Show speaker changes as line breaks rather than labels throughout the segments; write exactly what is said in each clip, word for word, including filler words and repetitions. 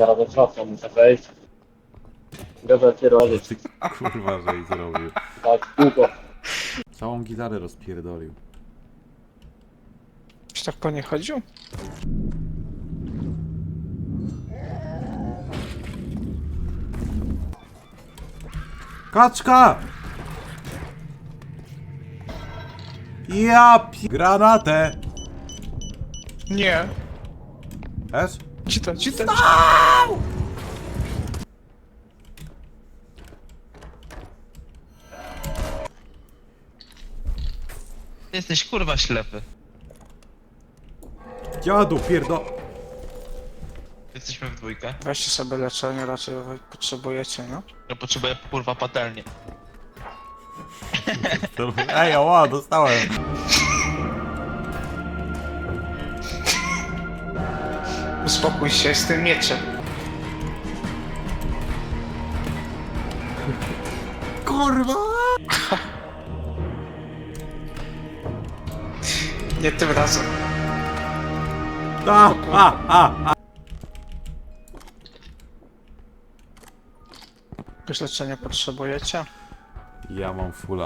Zaraz do czasu muszę wejść. Gada cię robić.
Kurwa, że i zrobił.
Tak, długo.
Całą gitarę rozpierdolił.
Czy tak po nie chodził?
Kaczka! Ja pi... Granatę!
Nie.
Też?
Ci to, ci to.
Jesteś kurwa ślepy.
Dziadu, pierdo...
Jesteśmy w dwójkę.
Weźcie sobie leczenie, raczej wy potrzebujecie, no?
Ja potrzebuję kurwa patelnię.
Ej, oła, dostałem.
Uspokój się z tym mieczem.
Kurwa!
Nie tym razem.
A, a, a, a.
Jakieś leczenie potrzebujecie?
Ja mam fula.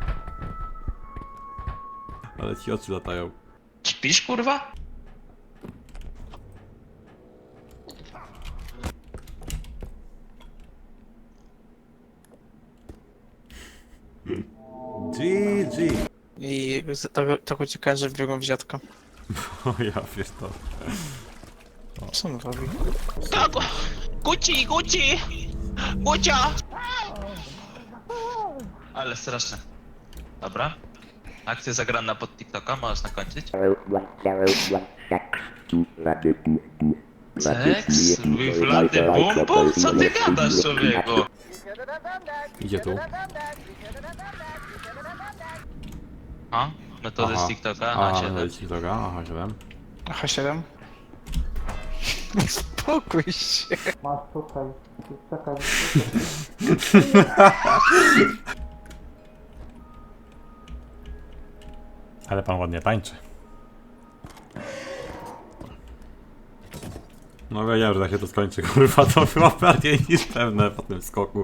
Ale ci oczy latają.
Śpisz kurwa?
G G.
I z tego, tak uciekałem, że wbiegłem w dziadka.
O ja wiesz to.
Co on robi?
Tak! Guci, guci! Gucia! Ale straszne. Dobra. Akcja zagrana pod TikToka, możesz nakończyć. Seks? Wiflady bum bum? Co ty gadasz, człowieku?
Idzie tu.
A? Metody z TikToka?
Aha,
A, się
no i TikToka, aha, siedem.
H siedem? Spokój się. Masz tutaj, czekaj.
Ale pan ładnie tańczy. No wiedziałem, że tak się to skończy, kurwa, to było bardziej niż pewne po tym skoku.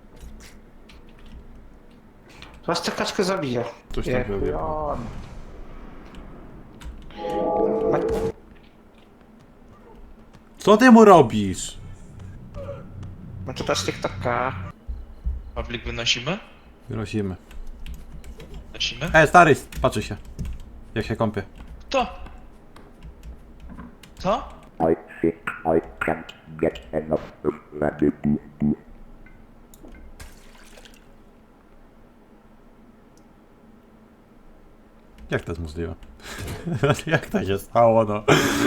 Was tę kaczkę zabije.
Coś tam
Jak
robię.
on.
Co ty mu robisz?
No to też TikToka.
Pawlik wynosimy?
Grozimy.
Wynosimy?
Ej, stary, patrzy się. Jak się kąpie.
Kto? Co?
I think I can't get enough of that.
Jak to jest możliwe? Jak to się stało, no?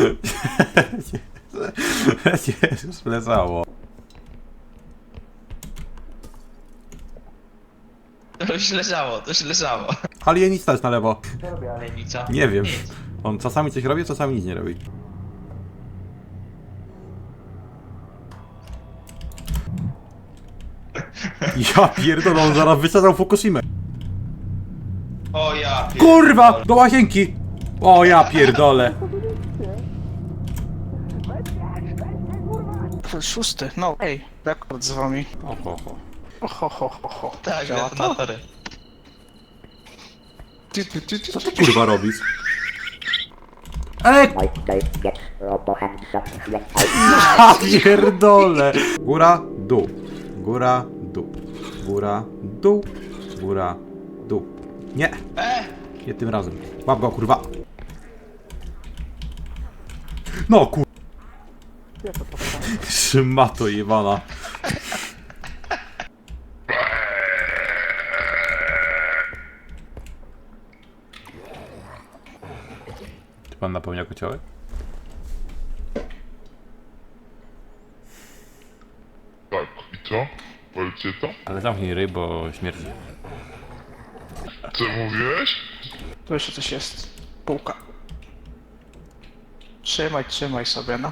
Już leżało.
To już leżało, to już leżało.
Alienista jest na lewo.
Ale nic, co?
Nie wiem.
Nic.
On czasami coś robi, czasami nic nie robi. Ja pierdolę, on zaraz wysadzał Fukushimę.
O ja pier...
Kurwa! Do łazienki! O ja pierdolę.
Szósty, no ej, rekord z wami.
Oho, ho.
Oho, ho, ho, ho.
Tak,
Działa to?
detonatory.
Ty, ty, ty, ty,
Co ty kurwa robisz? Ej!
I don't get robo hands up when I
Ja pierdolę! Góra, dół. Góra, dół. Góra, dół. Góra, dół. Nie!
E!
Nie tym razem. Łap go, kurwa. No kur... Szmato jebana. Czy pan napełnia kociołek?
Tak, i co? Policie to?
Ale zamknij ryj, bo śmierdzi.
Co mówiłeś?
Tu jeszcze coś jest. Półka. Trzymaj, trzymaj sobie, no.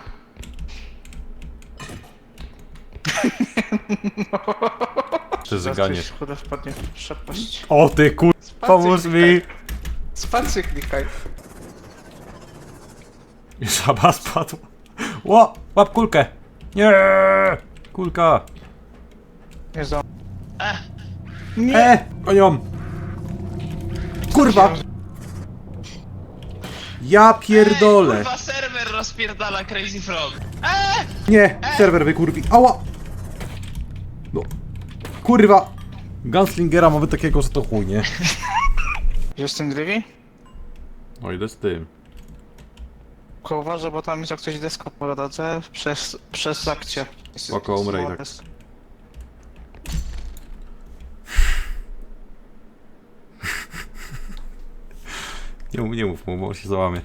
Przeżyganie.
Zaraz coś chude wpadnie w przepaść.
O ty kur... Pomóż mi!
Spację klikaj.
Żaba spadła. Ło! Łap kulkę! Nie! Kulka!
Nie zdążę.
E! Koniom! Kurwa! Ja pierdolę!
Kurwa, serwer rozpierdala Crazy Frog. Eee!
Nie! Serwer wykurwi. Ała! No. Kurwa! Gunslingera mamy takiego, że to chuj, nie?
Jest ten Grivi?
No idę z tym.
Tylko uważaj, bo tam jest jak coś desko po drodze przez, przez akcję. Jest-
Spoko, umrę i tak.
jest-
Nie, mów- nie mów mu, bo on się załamie.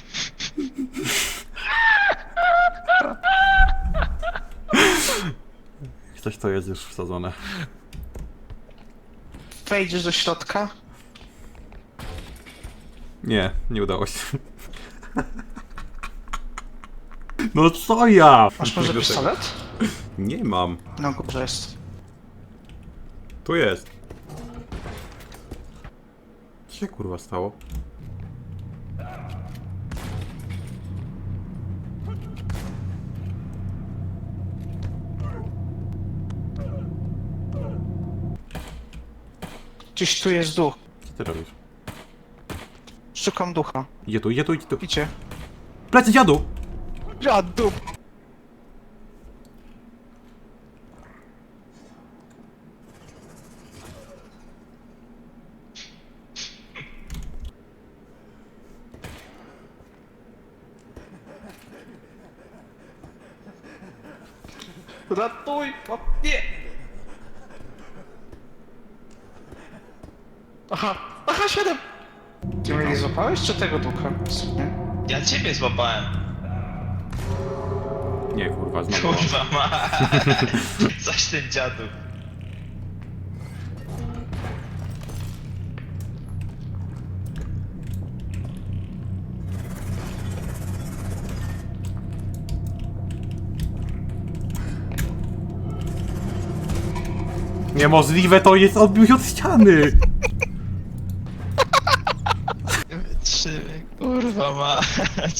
Coś to jest już wsadzone.
Wejdziesz do środka?
Nie, nie udało się. No co ja?
Masz może pistolet?
Nie mam.
Na górze jest.
Tu jest. Co się kurwa stało?
Gdzieś tu jest duch.
Co ty robisz?
Szukam ducha.
Idzie tu, idzie tu, idzie tu.
Idzie.
Plecy dziadu!
Ja duch! Ratuj! O, nie! Aha! Aha, siedem! Ty mnie nie złapałeś, czy tego ducha? Nie?
Ja ciebie złapałem.
Nie kurwa, znowu.
Kurwa ma. Coś ten dziadu.
Niemożliwe to jest, odbił się od ściany!
Trzy, kurwa ma.